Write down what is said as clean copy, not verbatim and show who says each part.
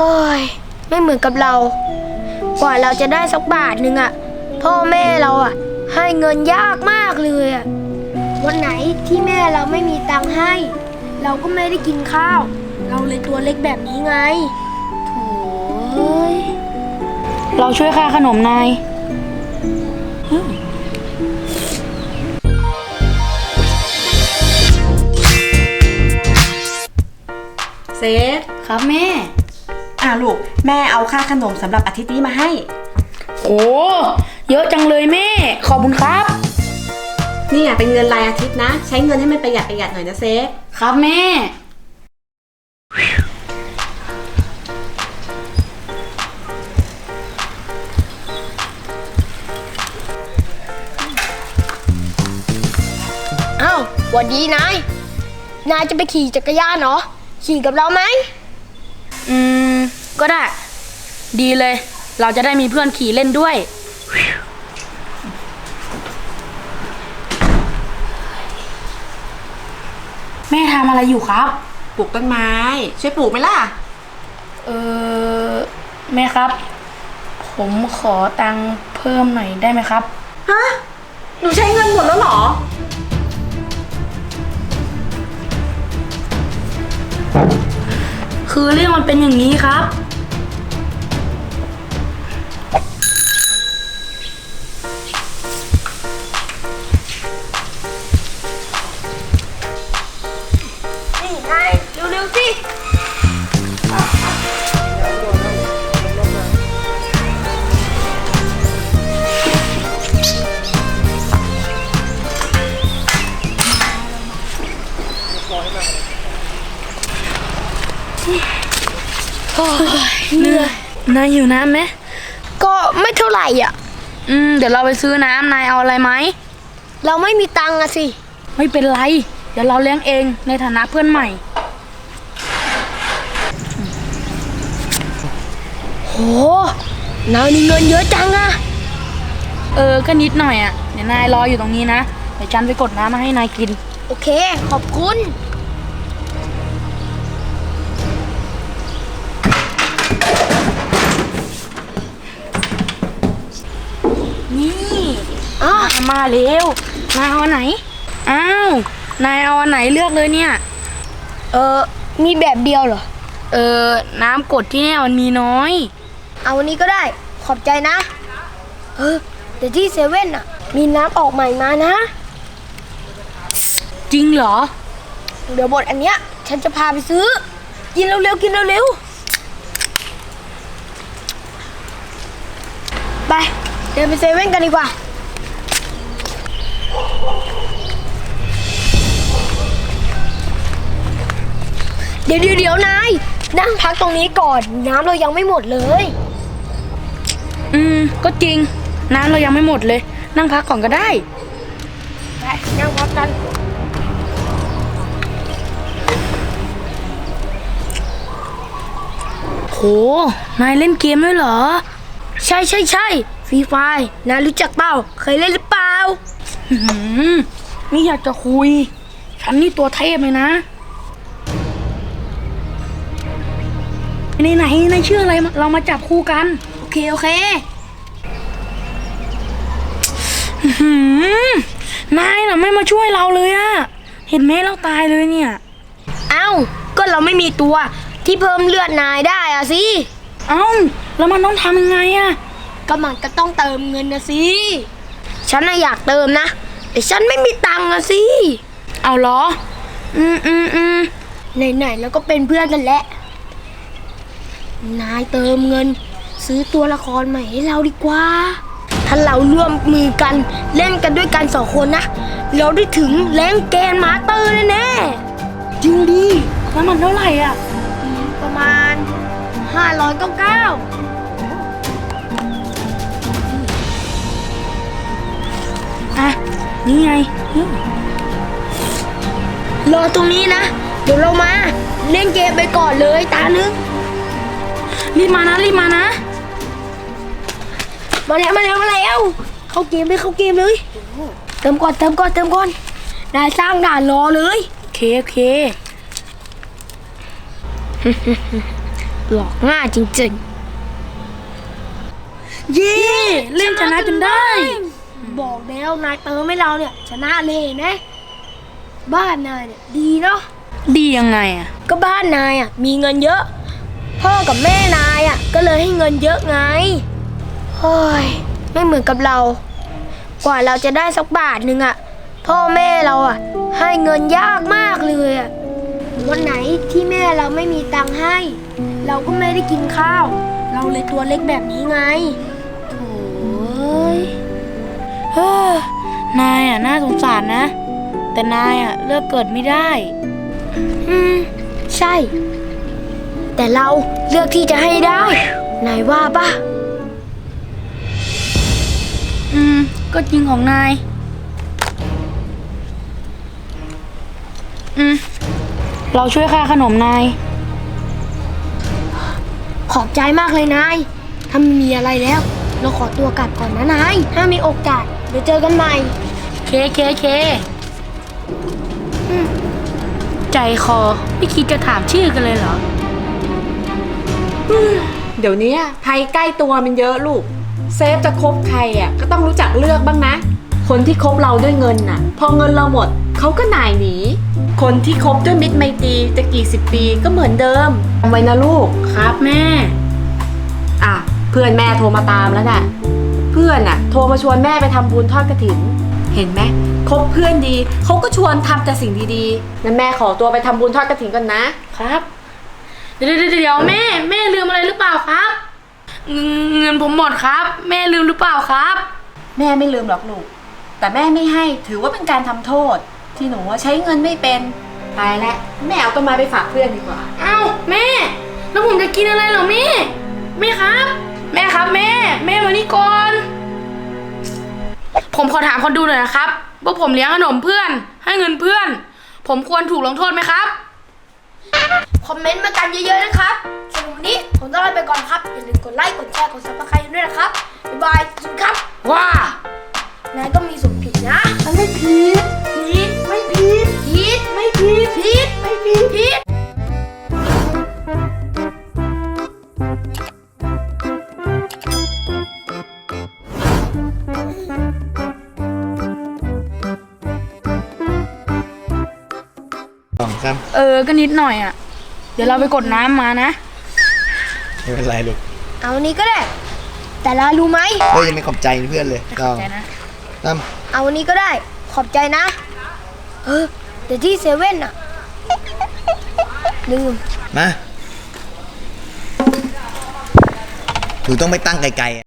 Speaker 1: ฮ้ยไม่เหมือนกับเรากว่าเราจะได้สักบาทหนึ่งอะพ่อแม่เราอะให้เงินยากมากเลยอะวันไหนที่แม่เราไม่มีตังค์ให้ เราก็ไม่ได้กินข้าวเราเลยตัวเล็กแบบนี้ไงโถ่เอ้ย
Speaker 2: เราช่วยค่าขนมนาย
Speaker 3: เซธ
Speaker 2: ครับแม่
Speaker 3: ลูกแม่เอาค่าขนมสำหรับอาทิตย์นี้มาให้
Speaker 2: โอ้เยอะจังเลยแม่ขอบคุณครับ
Speaker 3: นี่เป็นเงินรายอาทิตย์นะใช้เงินให้มันประหยัดหน่อยนะเซธ
Speaker 2: ครับแม่
Speaker 1: เอ้าหวัดดีนายจะไปขี่จักรยานเหรอขี่กับเราไหม
Speaker 2: ก็ได้ดีเลยเราจะได้มีเพื่อนขี่เล่นด้วยแม่ทำอะไรอยู่ครับ
Speaker 3: ปลูกต้นไม้ช่วยปลูกไหมล่ะ
Speaker 2: แม่ครับผมขอตังค์เพิ่มหน่อยได้ไหมครับ
Speaker 3: ฮะหนูใช้เงินหมดแล้วเหรอ
Speaker 2: คือเรื่องมันเป็นอย่างนี้ครับ
Speaker 1: นี่นายเร็วๆสิ
Speaker 2: เหนื่อยนายหิวน้ำไหม
Speaker 1: ก็ไม่เท่าไหร่อ่ะ
Speaker 2: เดี๋ยวเราไปซื้อน้ำนายเอาอะไรไหม
Speaker 1: เราไม่มีตังค์อะสิ
Speaker 2: ไม่เป็นไรเดี๋ยวเราเลี้ยงเองในฐานะเพื่อนใหม่
Speaker 1: โหนายมีเงินเยอะจังอะ
Speaker 2: ก็นิดหน่อยอ่ะเดี๋ยวนายรออยู่ตรงนี้นะเดี๋ยวฉันไปกดน้ำมาให้นายกิน
Speaker 1: โอเคขอบคุณ
Speaker 2: นี่มาเร็วนายเอาอันไหนอ้าวนายเอาอันไหนเลือกเลยเนี่ย
Speaker 1: มีแบบเดียวเหรอ
Speaker 2: น้ำกดที่เนี่ยมันมีน้อย
Speaker 1: เอาอันนี้ก็ได้ขอบใจนะแต่ที่เซเว่นอะมีน้ำออกใหม่มานะ
Speaker 2: จริงเหรอ
Speaker 1: เดี๋ยวบทอันเนี้ยฉันจะพาไปซื้อกินเร็วๆกินเร็วๆไปเดินไปเซเว่นกันดีกว่าเดี๋ยวนายนั่งพักตรงนี้ก่อนน้ำเรายังไม่หมดเลย
Speaker 2: ก็จริงน้ำเรายังไม่หมดเลยนั่งพักก่อนก็ได้
Speaker 1: ไปนั่งพักกัน
Speaker 2: โหนายเล่นเกมด้วยเหรอ
Speaker 1: ใช่ฟรีไฟร์นายรู้จักเปล่าเคยเล่นหรือเปล่า
Speaker 2: นี่อยากจะคุยฉันนี่ตัวเทพเลยนะไหนชื่ออะไรเรามาจับคู่กัน
Speaker 1: โอเคน
Speaker 2: ายน่ะไม่มาช่วยเราเลยอะเห็นไหมเราตายเลยเนี่ย
Speaker 1: เอ้าก็เราไม่มีตัวที่เพิ่มเลือดนายได้อะสิ
Speaker 2: แล้วมันต้องทำยังไงอะ
Speaker 1: ก็มันก็ต้องเติมเงินนะสิฉันน่ะอยากเติมนะแต่ฉันไม่มีตังค์อะสิ
Speaker 2: เอาเหรอ
Speaker 1: ไหนแล้วก็เป็นเพื่อนกันแหละนายเติมเงินซื้อตัวละครใหม่ให้เราดีกว่าถ้าเราร่วมมือกันเล่นกันด้วยกัน2 คนนะเราได้ถึงแรงแกนมาสเตอร์แน่
Speaker 2: จริงดิแล้วมันเท่าไหร่อ่ะ
Speaker 1: ประมาณ599
Speaker 2: นี่ไง
Speaker 1: รอตรงนี้นะเดี๋ยวเรามาเล่นเกมไปก่อนเลยตานึง
Speaker 2: รีบมานะ
Speaker 1: มาแล้วเข้าเกมเลยเติมก่อนนายสร้างด่านรอเลย
Speaker 2: โอเค
Speaker 1: หลอกง่ายจริง
Speaker 2: เย่เล่นชนะจนได้
Speaker 1: ๆ บอกแล้วนายเติมให้เราเนี่ยชนะเลยนะบ้านนายเนี่ยดีเนาะ
Speaker 2: ดียังไงอ่ะ
Speaker 1: ก็บ้านนายอ่ะมีเงินเยอะ พ่อกับแม่นายอ่ะก็เลยให้เงินเยอะไงเฮ้ยไม่เหมือนกับเรา กว่าเราจะได้สักบาทหนึ่งอ่ะพ่อแม่เราอ่ะให้เงินยากมากเลยอ่ะวันไหนที่แม่เราไม่มีตังค์ให้ เราก็ไม่ได้กินข้าว เราเลยตัวเล็กแบบนี้ไง
Speaker 2: โอ้ยเฮ้อนายอ่ะน่าสงสารนะ แต่นายอ่ะเลือกเกิดไม่ได้
Speaker 1: ใช่ แต่เราเลือกที่จะให้ได้นายว่าปะ
Speaker 2: ก็จริงของนาย เราช่วยค่าขนมนาย
Speaker 1: ขอบใจมากเลยนายถ้าไม่มีอะไรแล้ว เราขอตัวกลับก่อนนะนายถ้ามีโอกาสเดี๋ยวเจอกันใหม่
Speaker 2: เคใจคอไม่คิดจะถามชื่อกันเลยเหรอ
Speaker 3: เดี๋ยวนี้ภัยใกล้ตัวมันเยอะลูก เซฟจะคบใครอ่ะก็ต้องรู้จักเลือกบ้างนะ คนที่คบเราด้วยเงินน่ะ พอเงินเราหมดเขาก็หน่ายหนี คนที่คบด้วยมิตรไมตรีจะกี่สิบปีก็เหมือนเดิมจำไว้นะลูก
Speaker 2: ครับแม่
Speaker 3: อ่ะเพื่อนแม่โทรมาตามแล้วน่ะ เพื่อนน่ะโทรมาชวนแม่ไปทำบุญทอดกฐิน เห็นไหมคบเพื่อนดีเขาก็ชวนทำแต่สิ่งดีๆนั้นแม่ขอตัวไปทำบุญทอดกฐินก่อนนะครับ
Speaker 2: เดี๋ยวแม่ลืมอะไรหรือเปล่าครับ เงินผมหมดครับ แม่ลืมหรือเปล่าครับ
Speaker 3: แม่ไม่ลืมหรอกลูก แต่แม่ไม่ให้ถือว่าเป็นการทำโทษ ที่หนูว่าใช้เงินไม่เป็นตายแล้วแม่เอาต้นไม้ไปฝากเพื่อนดีกว่า
Speaker 2: เอ้าแม่ แล้วผมจะกินอะไรเหรอแม่ครับ แม่ครับแม่มานี่ก่อน ผมขอถามคนดูหน่อยนะครับว่าผมเลี้ยงขนมเพื่อน ให้เงินเพื่อน ผมควรถูกลงโทษไหมครับ
Speaker 1: คอมเมนต์มากันเยอะๆนะครับสำหรับวันนี้ผมต้องลาไปก่อนครับอย่าลืมกดไลค์กดแชร์กด Subscribe ด้วยนะครับบ๊ายบายสวัสดีครับ
Speaker 2: ว้า
Speaker 1: นายก็มีส่วนผิดนะมันไม่ผิดไม่ผิดไม่ผิด
Speaker 4: ครับ
Speaker 2: ก็นิดหน่อยอ่ะ เดี๋ยวเราไปกดน้ำมานะ
Speaker 4: ไม่เป็นไรลูก
Speaker 1: เอาอันนี้ก็ได้ แต่เรารู้ไหม
Speaker 4: เฮ้ยยังไม่ขอบใจเพื่อนเลยต้อง
Speaker 2: ใจนะ
Speaker 4: ตั้ม
Speaker 1: เอาอันนี้ก็ได้ขอบใจนะแต่ที่เซเว่นอะลืม
Speaker 4: มาหนูต้องไปตั้งไกลๆ